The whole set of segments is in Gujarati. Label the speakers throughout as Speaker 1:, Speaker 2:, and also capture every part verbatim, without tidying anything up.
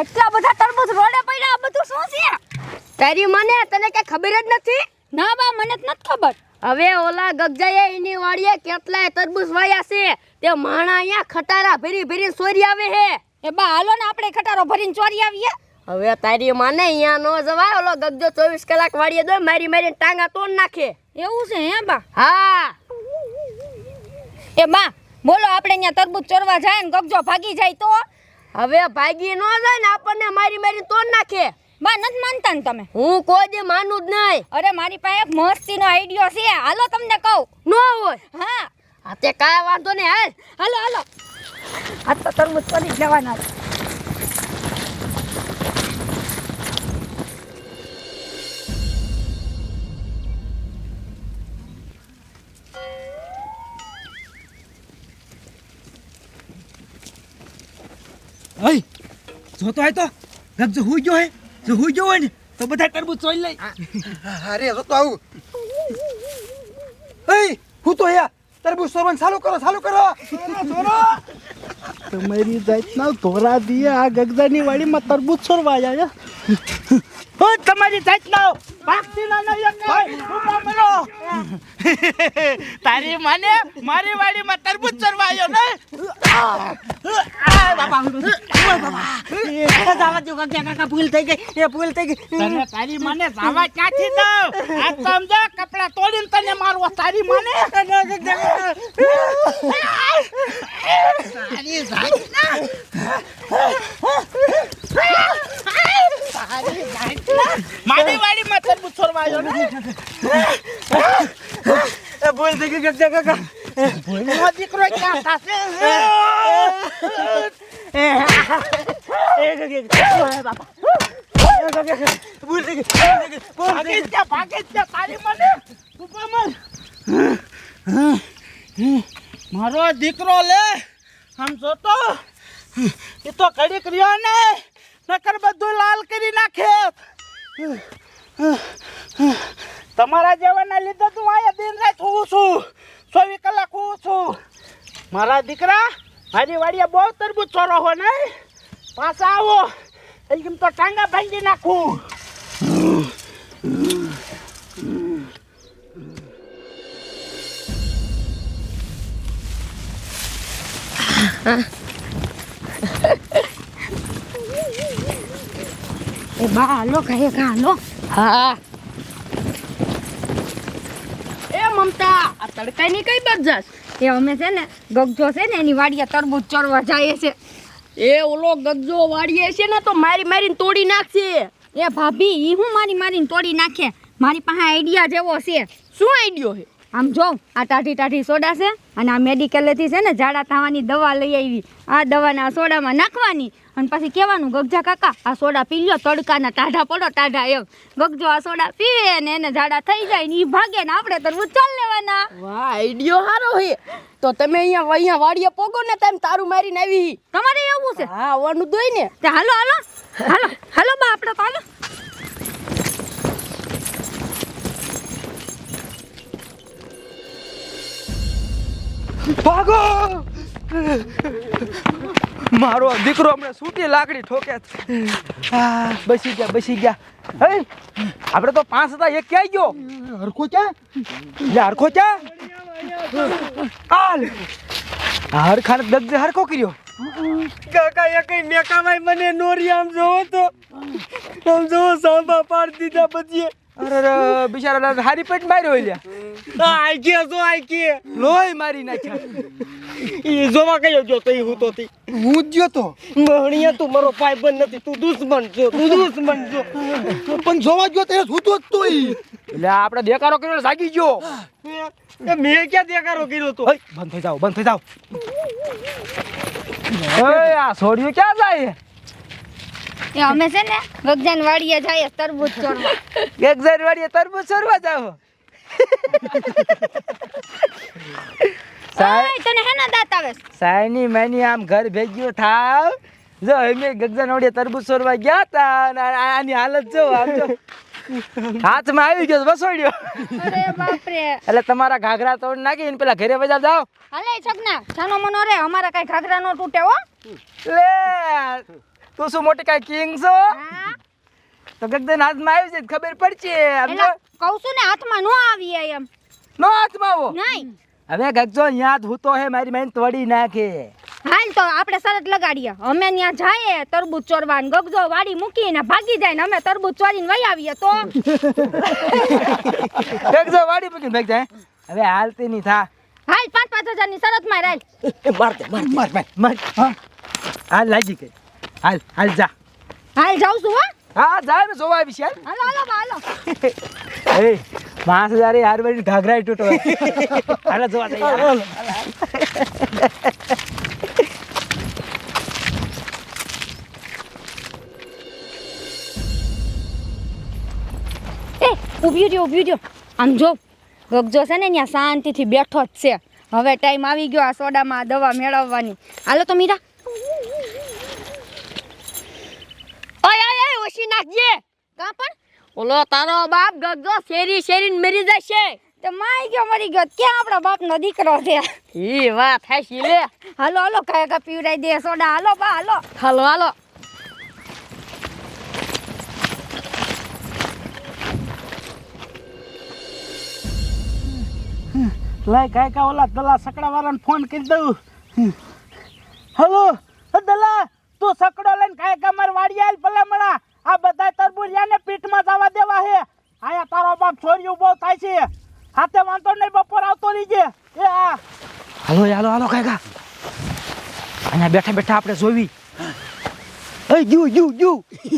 Speaker 1: આટલા બધા તરબૂચ રોડે પડ્યા, આ બધું શું છે?
Speaker 2: તારી મને તને કઈ ખબર જ નથી?
Speaker 1: ના બા, મને જ નથી ખબર.
Speaker 2: હવે ઓલા ગગજાએ એની વાડીએ કેટલાય તરબૂચ વાયા છે. તે માણા અહીંયા ખટારા ભરી ભરી ચોરી આવે હે.
Speaker 1: એ બા હાલો ને આપણે ખટારો ભરીને ચોરી આવીએ.
Speaker 2: હવે તારી માને અહીંયા નો જવાય. ઓલો ગગજો ચોવીસ કલાક વાડીએ દો મારી મારીને ટાંગા તોડ નાખે.
Speaker 1: એવું છે હે બા?
Speaker 2: હા.
Speaker 1: એ બા બોલો, આપણે અહીંયા તરબૂચ ચોરવા જાય ને ગગજો ભાગી જાય તો?
Speaker 2: હવે ભાગી નો જાય ને આપણને મારી મારીને તોડ નાખે.
Speaker 1: બા નથી માનતા ને તમે?
Speaker 2: હું કોઈ દી માનું જ નહીં.
Speaker 1: અરે મારી પાસે એક મસ્તીનો આઈડિયો છે, હાલો તમને કહું.
Speaker 2: નો હોય.
Speaker 1: હા
Speaker 2: આ તે કાંઈ વાંધો નહીં. હાલ
Speaker 1: હાલો હાલો. આ તો તરબૂચ ચોરી જવાના છે.
Speaker 3: ઓય જો તો આય તો ગગજો હુઈ ગયો હે. જો હુઈ ગયો હોય ને તો બધા તરબૂચ ચોરી લઈ.
Speaker 4: અરે જો તો આવું. એય હું તો યા તરબૂચ ચોરવાનું ચાલુ કરો ચાલુ કરો.
Speaker 5: તમારી જાતના ધોરા દીએ આ ગગજાની વાડીમાં તરબૂચ છોરવા આવ્યા છે.
Speaker 3: ઓ તમારી જાતના ભાગતી ના ન એક ઉભા મરો. તારી માને મારી વાડીમાં તરબૂચ ચોરવા આવ્યો ને. આ બાપા
Speaker 5: એ જાવા જો ગગજા કાકા ભૂલ થઈ ગઈ. એ ભૂલ થઈ ગઈ.
Speaker 3: તને તારી માને જાવા ક્યાંથી દઉં? આ સમજો કપડા તોડીને તને મારવો તારી માને. તારી જાતના મારી વાડીમાં તરબૂચ ચોરવા આવ્યો ને.
Speaker 5: એ ભૂલ થઈ ગઈ ગગજા કાકા.
Speaker 3: ભૂલનો દીકરો ક્યાં થશે?
Speaker 5: એ ગગજા ઓય બાપા. એ ગગજા ભૂલ થઈ ગઈ. ભૂલ થઈ ગઈ.
Speaker 3: ભાગી જા ભાગી જા તારી મને. ઊભા મર. મારો દીકરો લે આમ જોતો એ તો કડીક રહ્યો ને નકર બધું લાલ કરી નાખે. તમારા જેવાના લીધે તું આયા દિન રાત હોઉં છું, ચોવીસ કલાક હોઉં છું. મારા દીકરા મારી વાડીએ બહુ તરબૂચ ચોરો હો ને, પાછા આવો એમ તો ટાંગા ભાંગી નાખું.
Speaker 1: એ બા હાલો કહે કા હાલો.
Speaker 2: હા. એ મમતા આ તડકાની કઈ બાજુ જાસ?
Speaker 1: એ અમે છે ને ગગજો છે ને એની વાડીએ તરબૂચ ચોરવા જાય છે.
Speaker 2: એ ઓલો ગગજો વાડીએ છે ને તો મારી મારીને તોડી નાખશે.
Speaker 1: એ ભાભી ઈ હું મારી મારીને તોડી નાખે? મારી પાસે આઈડિયા જેવો છે.
Speaker 2: શું આઈડિયો છે?
Speaker 1: આમ જો આ ટાઢી ટાઢી સોડા છે અને આ મેડિકલેથી છે ને ઝાડા થવાની દવા લઈ આવી. આ દવાને આ સોડામાં નાખવાની અને પછી કહેવાનું ગગજા કાકા આ સોડા પી લ્યો, તડકાના ટાઢા પડો ટાઢા એમ. ગગજો આ સોડા પીવે ને એને ઝાડા થઈ જાય ને એ ભાગે ને આપણે તરબૂચ ચાલ લેવાના.
Speaker 2: વાહ આઈડિયો સારો છે. તો તમે અહીંયા અહીંયા વાડીએ પોગો ને તમે તારું મારીને આવી.
Speaker 1: તમારે એવું છે?
Speaker 2: હા આવવાનું દોય ને.
Speaker 1: તે હાલો હાલો હાલો હાલો બા આપણે તો હાલો.
Speaker 4: ભાગો. મારો દીકરો હમણાં સૂટી લાકડી ઠોકે. આ બસી ગયા બસી ગયા. હે આપણે તો પાંચ હતા, એક ક્યાં ગયો? હરખો ક્યાં? લે હરખો ક્યાં? હાલ હરખાને દગજે હરખો કર્યો.
Speaker 5: કાકા એ કઈ મેકાવાય મને નોરી આમ જોવો તો આમ જોવો સાંભા પાડી દીધા પછી.
Speaker 4: અરે રે બિચારા હારી પેટ માર્યો લ્યા.
Speaker 5: આઈ ગયા જો આઈ કે
Speaker 4: લોહી મારી નાખ્યા.
Speaker 5: ઈ જોવા કયો જો તો ઈ હું તો તી
Speaker 4: હું જ ગયો તો.
Speaker 5: મહણિયા તું મારો ભાઈબંધ નથી, તું દુશ્મન છો, તું દુશ્મન છો.
Speaker 4: પણ જોવા ગયો તો હું તો જ તો એટલે આપણે દેકારો કર્યો એટલે જાગી ગયો.
Speaker 5: એ મેં ક્યાં દેખાડો કર્યો તો?
Speaker 4: ઓય, બંધ થઈ જાવ બંધ થઈ જાવ. ઓય આ છોડ્યું ક્યાં જાય?
Speaker 1: એ અમે છે ને ગગજાની વાડીએ જાય તરબૂચ ચોરવા.
Speaker 4: ગગજાર વાડીએ તરબૂચ ચોરવા જાવ.
Speaker 1: ઓય તને હેના દાંત આવે છે?
Speaker 4: સાયની મેની આમ ઘર ભેગ્યું થાવ. જો અમે ગગજાર વાડીએ તરબૂચ ચોરવા ગયા તા અને આની હાલત જો આમ જો હાથમાં આવી ગયો વસોડ્યો.
Speaker 1: અરે બાપ રે.
Speaker 4: એટલે તમારા ઘાઘરા તોડ નાખી ને પેલા ઘરે બજાર જાવ.
Speaker 1: હાલે છગના જાનો મનો રે, અમારા કઈ ઘાઘરા નો તૂટે હો.
Speaker 4: લે તું શું મોટી કાંઈ કિંગ છો
Speaker 1: હા
Speaker 4: તો ગગન હાથમાં આવી જાય ખબર પડશે સમજો
Speaker 1: એલા કહું છું ને હાથમાં નો આવી એમ
Speaker 4: નો હાથમાં આવો
Speaker 1: નહીં
Speaker 4: હવે ગગજો યાદ હું તો હે મારી બેન તોડી નાખે
Speaker 1: હાલ તો આપણે શરત લગાડીએ અમે ત્યાં જાય તરબૂચ ચોરવા ને ગગજો વાડી મૂકીને ભાગી જાય ને અમે તરબૂચ ચોરીને વહી આવીએ તો
Speaker 4: ગગજો વાડી મૂકીને ભાગ જાય હવે હાલતી નહીં થા
Speaker 1: હાલ પાંચ પાંચ હજાર ની શરત માં હાલ
Speaker 4: માર દે માર માર માર માર હા હાલ લાગી ગઈ હાલ હાલ જા
Speaker 1: હાલ જાઉં છું હો
Speaker 4: હા જાય ને જોવા આવી છે હાલ
Speaker 1: હાલો હાલો બા, હાલો
Speaker 4: એ પાંચ હજાર એ હારવાડી ઘાઘરા તૂટો હાલો જોવા જઈએ
Speaker 1: એ ઊભી રહ્યો ઊભી રહ્યો આમ જો ગગજો છે ને ત્યાં શાંતિથી બેઠો જ છે હવે ટાઈમ આવી ગયો આ સોડામાં આ દવા મેળવવાની હાલો તો મીરા
Speaker 2: ઓય ઓય ઓય ઓછી નાખજે
Speaker 1: કાં પણ
Speaker 2: ઓલો તારો બાપ ગગજો શેરી શેરીને મરી જશે
Speaker 1: તો માઈ ગયો મરી ગયો ક્યાં આપણા બાપનો દીકરો છે
Speaker 2: ઈ વાત હાશી લે
Speaker 1: હાલો હાલો કાંઈ કા પીવડાઈ દે સોડા હાલો બા હાલો
Speaker 2: હાલો હાલો
Speaker 3: લાય કાય કા ઓલા દલા સકડા વાળાને ફોન કરી દઉં હલો દલા તું સકડો લઈને કાય કા માર વાડી આલ ભલામણા આ બધા તરબૂરિયાને પીઠમાં જવા દેવા હે આયા તારો બાપ છોરી ઉભો થાય છે હાથે વાંધો નહીં બપોર આવતો રહીજે એ આ
Speaker 4: હાલો હાલો હાલો કાકા અહીંયા બેઠા બેઠા આપણે જોવી એ ગયું ગયું ગયું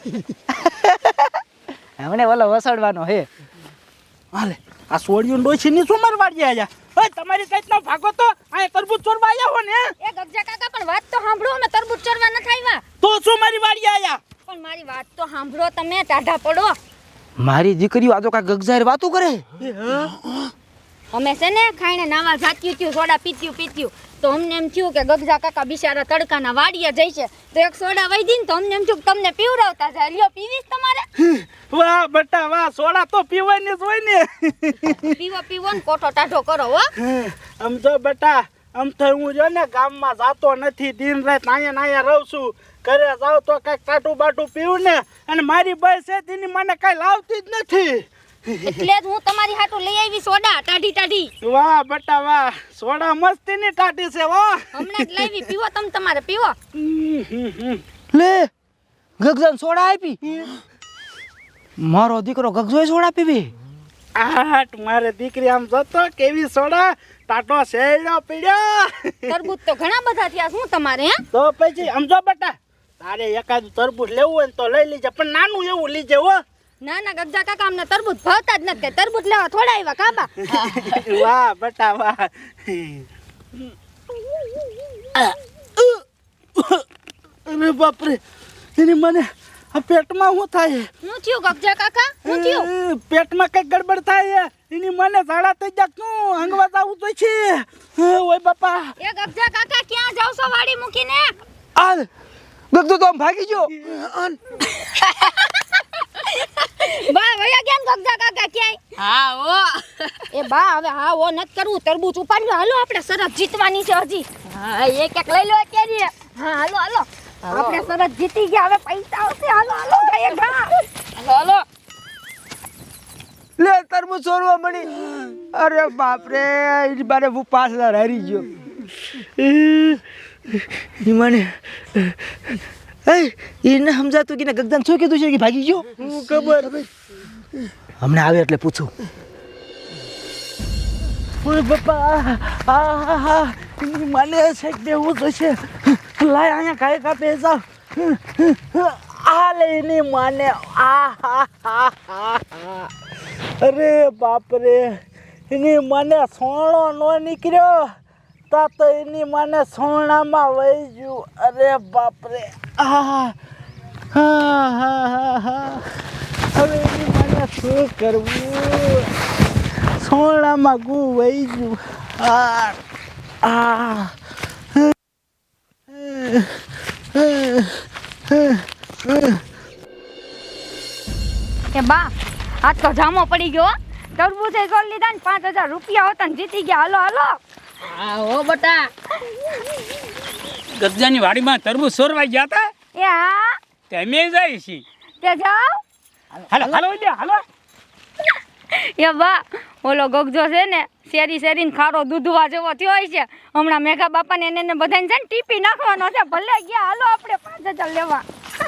Speaker 4: હમણે ઓલો વસાડવાનો હે
Speaker 3: હાલે આ સોડિયું ડોસી ની શું માર વાડી આયા ઓય તમારી કઈક નો ભાગો તો આ તરબૂચ ચોરવા આયા હો ને
Speaker 1: એ ગગજા કાકા પણ વાત તો સાંભળો અમે તરબૂચ ચોરવા નથી આવ્યા
Speaker 3: તો શું મારી વાડી આયા
Speaker 1: પણ મારી વાત તો સાંભળો તમે ટાઢા પડો
Speaker 4: મારી દીકરીઓ આ તો કાંઈ ગગજાર વાતું કરે
Speaker 1: અમે છે ને ખાઈને નાવા જાત્યું ત્યું સોડા પીત્યું પીત્યું તો અમને એમ થયું કે ગગજા કાકા બિચારા તડકાના વાડીએ જાય છે તો એક સોડા વહી દીને તો અમને એમ થયું કે તમને પીવડાવતા જાય લ્યો પીવીશ તમારે
Speaker 3: વાહ બેટા વાહ સોડા તો પીવાની જ હોય ને
Speaker 1: પીવો પીવો ને કોઠો ટાઢો કરો હો
Speaker 3: આમ જો બેટા આમ તો હું જો ને ગામમાં જાતો નથી દિન રાત અહીંયા ને અહીંયા રહું છું ઘરે જાવ તો કઈક ટાટું બાટું પીવું ને અને મારી બસ છે તેની મને કઈ લાવતી જ નથી
Speaker 1: એટલે જ હું તમારી હાટું લઈ આવી સોડા ટાઢી ટાઢી
Speaker 3: વાહ બેટા વાહ સોડા મસ્તીની ટાટી છે વાહ
Speaker 1: હમણાં જ લાવી પીવો તમે તમારે પીવો
Speaker 4: લે ગગજાન સોડા આપી મારો દીકરો ગગજોય સોડા પીવી
Speaker 3: આટ મારે દીકરી આમ જતો કેવી સોડા ટાટો શેડો પીડ્યો
Speaker 1: તરબૂચ તો ઘણા બધા થયા શું તમારે હે
Speaker 3: તો પછી સમજો બેટા તારે એકાદું તરબૂચ લેવું હોય ને તો લઈ લીજે પણ નાનું એવું લીજે હો
Speaker 1: ના ના ગગજા કાકા અમને તરબૂચ ભાવતા જ નથી તરબૂચ લેવા થોડા આવ્યા કાબા
Speaker 3: વાહ બેટા વાહ અરે બાપરે એની મને આ પેટમાં શું થાય
Speaker 1: શું થયું ગગજા કાકા શું થયું
Speaker 3: એ, પેટમાં કઈ ગડબડ થાય એની મને ઝાડા થઈ જાય શું હંગવા જાવું તો છે ઓય બાપા
Speaker 1: એ ગગજા કાકા ક્યાં જાવ છો વાડી મૂકીને
Speaker 4: આ ગગજો તો આમ ભાગી ગયો
Speaker 1: બા વયા ગયા ને ગગજા કાકા ક્યાંય
Speaker 2: હા ઓ
Speaker 1: એ બા હવે હા ઓ નત કરવું તરબૂચ ઉપાડ્યો હાલો આપણે સરસ જીતવાની છે હજી
Speaker 2: હા એક એક લઈ લો અત્યારે
Speaker 1: હા હાલો હાલો આપણે સરસ જીતી ગયા હવે પૈસા આવશે હાલો હાલો ગાય ગા
Speaker 2: હાલો હાલો
Speaker 4: લે તરબૂચ સોરવા મળી અરે બાપ રે એની બારે હું પાંચ હજાર હારી ગયો ઈ મને એ એને સમજાતું કે ગગદાન શું કીધું છે કે ભાગી ગયો
Speaker 3: હું ખબર
Speaker 4: હમણાં આવે એટલે પૂછું
Speaker 3: ઓય બાપા આ હા હા એની મને છે કે દેવું તો છે લાય અહીંયા કાય કાપે જાવ આ લઈને મને આ હા હા હા અરે બાપ રે એની મને સોણો નો નીકળ્યો તા તો એની મને સોણામાં વહી ગયું અરે બાપ રે આ હા હા હા હા હવે એની મને શું કરવું સોણામાં ગુ વહી ગયું આ આ
Speaker 1: એ બા આજ તો જામો પડી ગયો હો. તરબૂચે સોલ લીધા ને પાંચ હજાર રૂપિયા હોતા ને જીતી ગયા હાલો હાલો
Speaker 2: હા ઓ બટા
Speaker 5: ગજાની વાડીમાં તરબૂચ સોરવા ગયા હતા
Speaker 1: એ હા
Speaker 3: તમે જાય છે
Speaker 1: તે જાઓ
Speaker 3: હાલો હાલો લે હાલો
Speaker 1: એ બા ઓલો ગગજો છે ને શેરી શેરીને ખારો દૂધવા જેવો થયો હોય છે હમણાં મેઘા બાપાને એને ને બધાને છે ને ટીપી નાખવાનો છે ભલે ગયા હાલો આપણે પાંચ હજાર લેવા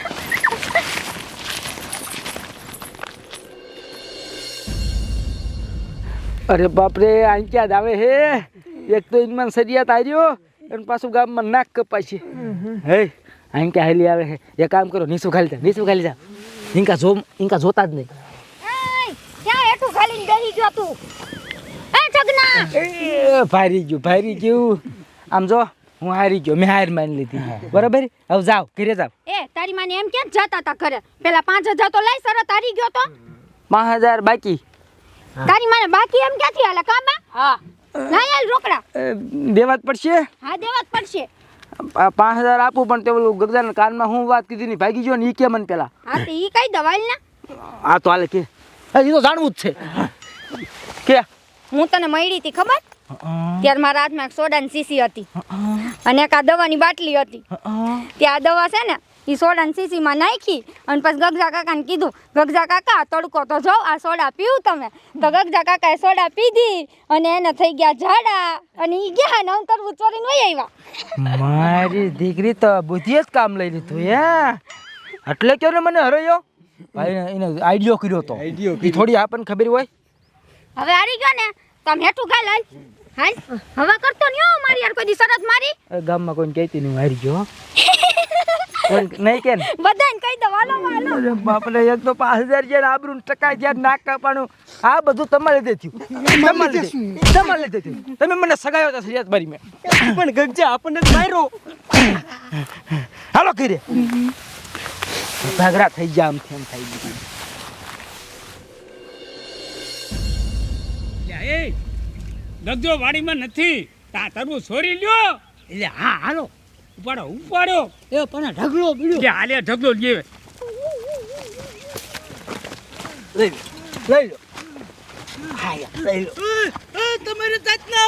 Speaker 4: અરે બાપરે આ ક્યાં જ આવે હે એક તો ઇનમાન સરિયાત આવ્યો અને પાછું ગામમાં નાક કપાય છે હે આ ક્યાં હેલી આવે હે એક કામ કરો નીસું ખાલી જા નીસું ખાલી જા ઇનકા જો ઇનકા જોતા જ નહીં
Speaker 1: એય, ક્યાં હેઠું ખાલીને બેહી ગયો તું એ જગના
Speaker 4: એ ભારી ગયું ભારી ગયું આમ જો હું હારી ગયો મેં હાર માની લીધી બરાબર હવે જાઓ ઘરે જાઓ
Speaker 1: એ તારી માને એમ કેમ જતા તા ઘરે પેલા પાંચ હજાર તો લઈ સરત હારી ગયો તો
Speaker 4: પાંચ હજાર બાકી
Speaker 1: તારી માને બાકી એમ ક્યાંથી હાલે કાબા હા ના યાર રોકડા
Speaker 4: અ, દેવા જ પડશે
Speaker 1: હા દેવા જ પડશે
Speaker 4: આ પાંચ હજાર આપું પણ તે ઓલું ગગદાના કાનમાં હું વાત કીધી ની ભાગી ગયો ને ઈ કે મને પેલા
Speaker 1: હા તો ઈ કઈ દવાઈ ને
Speaker 4: આ તો હાલે કે એ તો જાણવું જ છે કે
Speaker 1: હું તને મળી હતી ખબર ત્યારે મારા હાથમાં એક સોડાની શીશી હતી અને એક આ દવાની બાટલી હતી ત્યાં આ દવા છે ને એ સોડાની શીશીમાં નાખી અને પછી ગગજા કાકાને કીધું ગગજા કાકા તડકો તો જો આ સોડા પીવું તમે તો ગગજા કાકાએ સોડા પીધી અને એને થઈ ગયા ઝાડા અને એ ગયા ને હું તરબૂચ ચોરીને વહી આવ્યા
Speaker 4: મારી દીકરી તો બુદ્ધિ જ કામ લઈ લીધું હે એટલે ક્યો ને મને હરોયો ભાઈ એને આઈડિયો કર્યો તો એ થોડી આપણને ખબર હોય
Speaker 1: હવે હારી ગયો ને તમે હેઠું ગાલ હાલ હાલ હવે કરતો નહીં હો મારી યાર કોઈ દી શરત મારી
Speaker 4: એ ગામમાં કોઈને કહેતી નહીં હારી ગયો હો. કોઈ નહીં કે ને
Speaker 1: બધાને કહી દો હાલો હાલો
Speaker 4: અરે બાપરે એક તો પાંચ હજાર જ્યાં આબરૂ ટકા જ્યાં નાક કાપવાનું આ બધું તમારે લીધે થયું તમારે લીધે તમારે લીધે થયું તમે મને સગાયો હતા સરિયાત મારી મેં
Speaker 5: પણ ગગજા આપણને જ માર્યો
Speaker 4: હાલો કરી ભાગરા થઈ ગયા આમ તેમ થઈ ગયું
Speaker 3: એ ગગજો વાડીમાં નથી તા તરબૂચ છોરી લ્યો એટલે હા હાલો ઉપાડો ઉપાડો
Speaker 5: એ પણ ઢગલો બીડ્યો
Speaker 3: કે હાલે ઢગલો લે
Speaker 4: લઈ લો લઈ લો હા યાર લઈ લો
Speaker 3: તમારે જાતના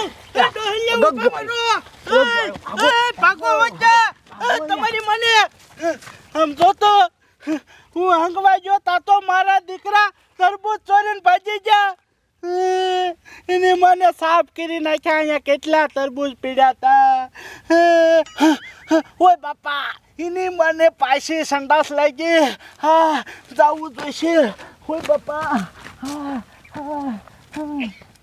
Speaker 4: ભાગો
Speaker 3: તમારી મને આમ જોતો હું હંગવા ગયો તા તો મારા દીકરા તરબૂચ ચોરીને ભાજી જા એને મને સાફ કરી નાખ્યા અહીંયા કેટલા તરબૂચ પીડ્યા તા ઓય બાપા એની મને પાછી સંડાસ લાગી હા જાવું જોઈશે ઓય બાપા હા હા હા